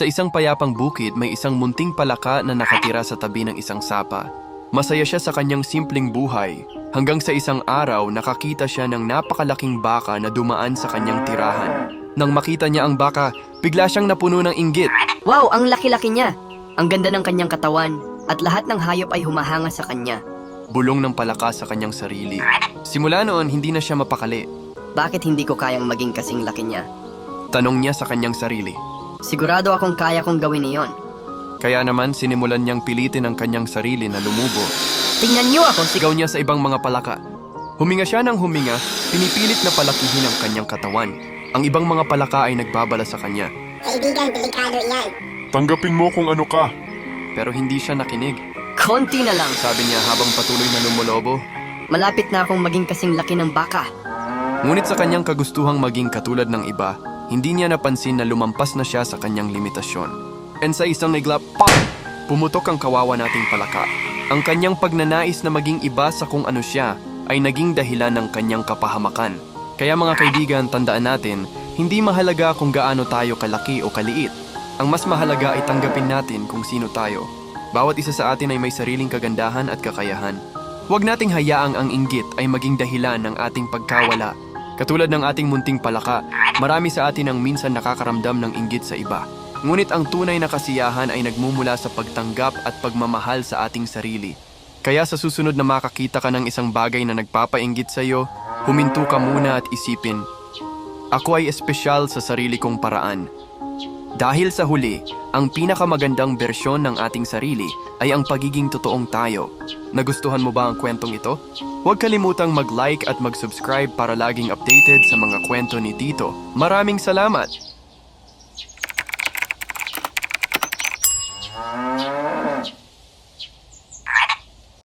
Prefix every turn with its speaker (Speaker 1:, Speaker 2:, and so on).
Speaker 1: Sa isang payapang bukid, may isang munting palaka na nakatira sa tabi ng isang sapa. Masaya siya sa kanyang simpleng buhay, hanggang sa isang araw nakakita siya ng napakalaking baka na dumaan sa kanyang tirahan. Nang makita niya ang baka, bigla siyang napuno ng inggit.
Speaker 2: Wow, ang laki-laki niya! Ang ganda ng kanyang katawan, at lahat ng hayop ay humahanga sa kanya.
Speaker 1: Bulong ng palaka sa kanyang sarili. Simula noon, hindi na siya mapakali.
Speaker 2: Bakit hindi ko kayang maging kasing laki niya?
Speaker 1: Tanong niya sa kanyang sarili.
Speaker 2: Sigurado akong kaya kong gawin iyon.
Speaker 1: Kaya naman sinimulan niyang pilitin ang kanyang sarili na lumubo.
Speaker 2: Tingnan niyo ako,
Speaker 1: Sigaw niya sa ibang mga palaka. Huminga siya ng huminga, pinipilit na palakihin ang kanyang katawan. Ang ibang mga palaka ay nagbabala sa kanya.
Speaker 3: Kaibigan, delikado yan.
Speaker 4: Tanggapin mo kung ano ka.
Speaker 1: Pero hindi siya nakinig.
Speaker 2: Konti na lang.
Speaker 1: Sabi niya habang patuloy na lumulobo.
Speaker 2: Malapit na akong maging kasing laki ng baka.
Speaker 1: Ngunit sa kanyang kagustuhang maging katulad ng iba, hindi niya napansin na lumampas na siya sa kanyang limitasyon. And sa isang iglap, pop! Pumutok ang kawawa nating palaka. Ang kanyang pagnanais na maging iba sa kung ano siya ay naging dahilan ng kanyang kapahamakan. Kaya mga kaibigan, tandaan natin, hindi mahalaga kung gaano tayo kalaki o kaliit. Ang mas mahalaga ay tanggapin natin kung sino tayo. Bawat isa sa atin ay may sariling kagandahan at kakayahan. Huwag nating hayaang ang inggit ay maging dahilan ng ating pagkawala. Katulad ng ating munting palaka, marami sa atin ang minsan nakakaramdam ng inggit sa iba. Ngunit ang tunay na kasiyahan ay nagmumula sa pagtanggap at pagmamahal sa ating sarili. Kaya sa susunod na makakita ka ng isang bagay na nagpapainggit sa iyo, huminto ka muna at isipin, ako ay espesyal sa sarili kong paraan. Dahil sa huli, ang pinakamagandang bersyon ng ating sarili ay ang pagiging totoong tayo. Nagustuhan mo ba ang kwentong ito? Huwag kalimutang mag-like at mag-subscribe para laging updated sa mga kwento ni Tito. Maraming salamat!